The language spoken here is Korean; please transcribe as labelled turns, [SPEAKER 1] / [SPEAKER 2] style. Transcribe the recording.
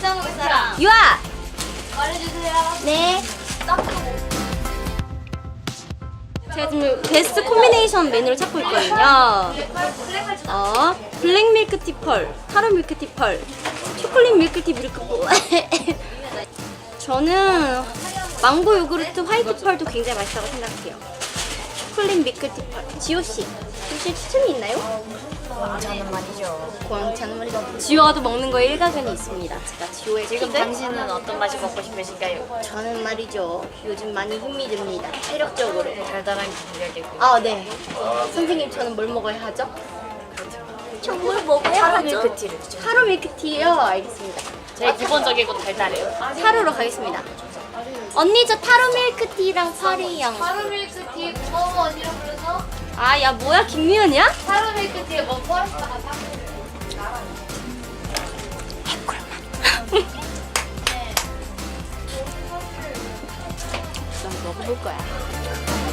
[SPEAKER 1] 식사 먹을 사람
[SPEAKER 2] 유아!
[SPEAKER 1] 말해주세요.
[SPEAKER 2] 네. 제가 지금 베스트 콤비네이션 메뉴를 찾고 있거든요. 블랙 밀크티 펄, 타로 밀크티 펄, 초콜릿 밀크티 밀크볼. 저는 망고 요구르트 화이트 펄도 굉장히 맛있다고 생각해요. 초콜릿 밀크티 펄. 지호씨, 혹시 추천이 있나요?
[SPEAKER 1] 저는 말이죠.
[SPEAKER 2] 광차는 말이죠. 지호가 또 먹는 거에 일가견이 있습니다. 제가 지호의
[SPEAKER 1] 지금
[SPEAKER 2] 팁을
[SPEAKER 1] 당신은 어떤 맛이 먹고 싶으신가요?
[SPEAKER 2] 저는 말이죠. 요즘 많이 힘이 듭니다. 체력적으로.
[SPEAKER 1] 달달한 게 들려야 되고.
[SPEAKER 2] 아, 네. 선생님, 저는 뭘 먹어야 하죠? 정말 먹어야
[SPEAKER 1] 타로
[SPEAKER 2] 하죠?
[SPEAKER 1] 밀크티를 추천.
[SPEAKER 2] 타로 밀크티요? 알겠습니다.
[SPEAKER 1] 제일 기본적이고 달달해요.
[SPEAKER 2] 타로로 가겠습니다. 언니, 저 타로 밀크티랑 파리향.
[SPEAKER 3] 타로 밀크티 고마워 언니랑 불러서
[SPEAKER 2] 아, 야, 뭐야? 김미연이야?
[SPEAKER 3] 타로 밀크티에 뭐 포함했다가 사
[SPEAKER 2] 난 먹어볼 거야.